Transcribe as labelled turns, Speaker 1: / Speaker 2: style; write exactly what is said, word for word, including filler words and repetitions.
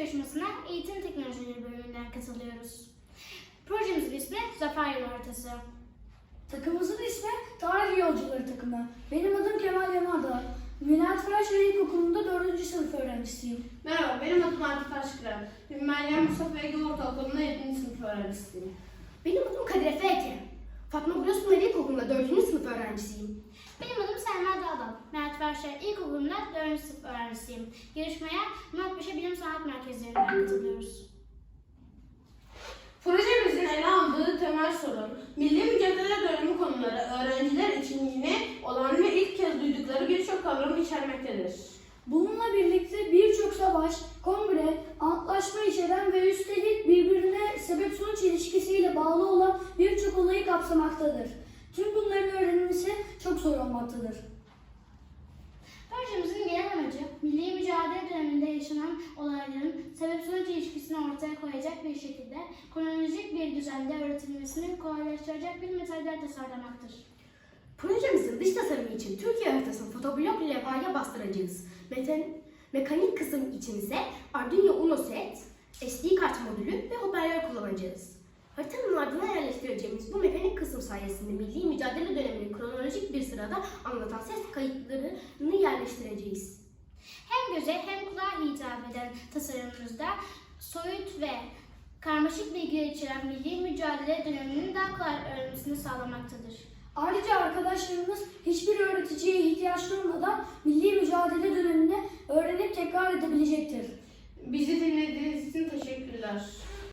Speaker 1: yarışmasına eğitim teknolojileri bölümünden katılıyoruz. Projemizin ismi Zafer Yolu Haritası.
Speaker 2: Takımımızın ismi Tarih Yolcuları takımı. Benim adım Kemal Yanardağ. Münat Fraşehir İlkokulu'nda dördüncü sınıf öğrencisiyim.
Speaker 3: Merhaba, benim adım Arif Taşkıran. Meryem Mustafa Ege Ortaokulu'nda yedinci sınıf öğrencisiyim.
Speaker 4: Benim adım Kadir Efe Eke. Fatma Gülosman İlkokulu'nda dördüncü sınıf öğrencisiyim.
Speaker 1: Benim adım Selma Dağdal. Mehmet Verşehir İlkokulu'nda dördüncü sınıf öğrencisiyim. Yarışmaya Murat Paşa Bilim Sanat Merkezleri'nden katılıyoruz.
Speaker 3: Projemizin ele aldığı temel sorun, milli mücadele dönemi konuları öğrenciler için yeni olan ve ilk kez duydukları birçok kavramı içermektedir.
Speaker 2: Bununla birlikte birçok savaş, kongre, antlaşma içeren ve üstelik birbirine sebep-sonuç ilişkisiyle bağlı olan birçok olayı kapsamaktadır. Tüm bunların öğrenilmesi çok zor olmaktadır.
Speaker 1: Projemizin genel amacı, milli mücadele döneminde yaşanan olayların sebep-sonuç ilişkisini ortaya koyacak bir şekilde kronolojik bir düzende öğretilmesini kolaylaştıracak bir metaller tasarlamaktır.
Speaker 4: Projemizin dış tasarımı için Türkiye haritasını fotoblok levhaya bastıracağız. Meten, mekanik kısım için ise Arduino Uno set, S D kart modülü ve hoparlör kullanacağız. Haritanın ardına yerleştireceğimiz bu mekanik kısım sayesinde milli mücadele dönemini kronolojik bir sırada anlatan ses kayıtlarını yerleştireceğiz.
Speaker 1: Hem göze hem kulağa hitap eden tasarımımızda soyut ve karmaşık bilgiler içeren milli mücadele döneminin daha kolay öğrenmesini sağlamaktadır.
Speaker 2: Ayrıca arkadaşlarımız hiçbir öğreticiye ihtiyaç duymadan milli mücadele dönemini öğrenip tekrar edebilecektir.
Speaker 3: Bizi dinlediğiniz için teşekkürler.